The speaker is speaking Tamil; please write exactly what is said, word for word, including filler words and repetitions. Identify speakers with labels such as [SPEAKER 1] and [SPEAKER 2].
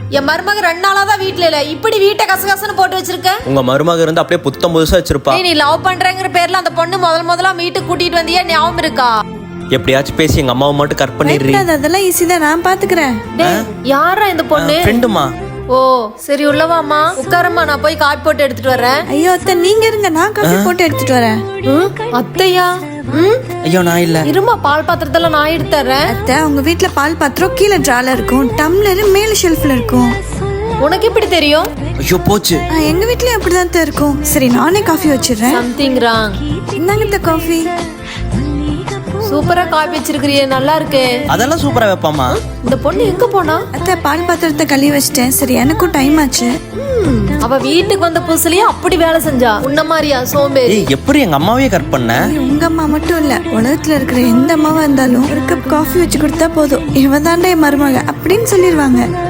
[SPEAKER 1] என் மருமக ரெண்டு நாளா தான் வீட்ல இல்ல, இப்படி வீட்டை கசகசன்னு போட்டு வச்சிருக்க.
[SPEAKER 2] உங்க மருமக இருந்து அப்படியே புத்தம் புதுசா வச்சிருப்பா.
[SPEAKER 1] நீ லவ் பண்றேங்கிற பேர்ல அந்த பொண்ணு முதல் முதலா வீட்டுக்கு கூட்டிட்டு வந்தியா, ஞாபகம் இருக்கா?
[SPEAKER 2] எப்படியாச்சும் பேசி எங்க அம்மாவை மட்டும் கட் பண்ணிடுறீ.
[SPEAKER 3] அதெல்லாம் ஈஸி தான், நான் பாத்துக்கிறேன்.
[SPEAKER 1] யாரா இந்த பொண்ணு?
[SPEAKER 2] ஃப்ரெண்டுமா.
[SPEAKER 1] ஓ சரி, உள்ளவாமா, உட்காரம்மா, நான் போய் காப்பி போட்டு எடுத்துட்டு வரேன்.
[SPEAKER 3] ஐயோ அத்தை, நீங்க இருங்க, நான் காஃபி போட்டு எடுத்துட்டு வரேன்.
[SPEAKER 1] அத்தையா?
[SPEAKER 2] ஐயோ நான் இல்ல.
[SPEAKER 1] இருமா, பால் பாத்திரத்துல நான் எடுத்துறேன்.
[SPEAKER 3] அத்தை, உங்க வீட்ல பால் பாத்திரம் கீழே ட்ரால இருக்கும், டம்ளர் மேல ஷெல்ஃப்ல இருக்கும்.
[SPEAKER 1] உனக்கு எப்படி தெரியும்?
[SPEAKER 2] ஐயோ போச்சு.
[SPEAKER 3] எங்க வீட்லயும் அப்படிதான் அத்தை இருக்கும். சரி, நானே காஃபி வச்சிடுறேன்.
[SPEAKER 1] Something wrong.
[SPEAKER 3] இந்தாங்க அத்தை காஃபி.
[SPEAKER 1] சூப்பரா காப்பி வச்சிருக்கிறியே, நல்லா இருக்கு.
[SPEAKER 2] அதெல்லாம் சூப்பரா வைப்பாமா.
[SPEAKER 1] இந்த பொண்ணு எங்க போனா?
[SPEAKER 3] அத்தை, பால் பாத்திரத்தை கழுவி வச்சிட்டேன். சரி, எனக்கும் டைம் ஆச்சு.
[SPEAKER 1] அவ வீட்டுக்கு வந்த புதுசுலயே அப்படி வேலை செஞ்சா, உன்ன மாதிரியா சோம்பேறி?
[SPEAKER 2] ஏய், எப்படி எங்க அம்மாவையே கட் பண்ண?
[SPEAKER 3] உங்க அம்மா மட்டும் இல்ல, உலகத்துல இருக்கிற எந்த அம்மாவா இருந்தாலும் ஒரு கப் காஃபி வச்சு கொடுத்தா போதும், இவ தாண்டா என் மருமக அப்படின்னு சொல்லிடுவாங்க.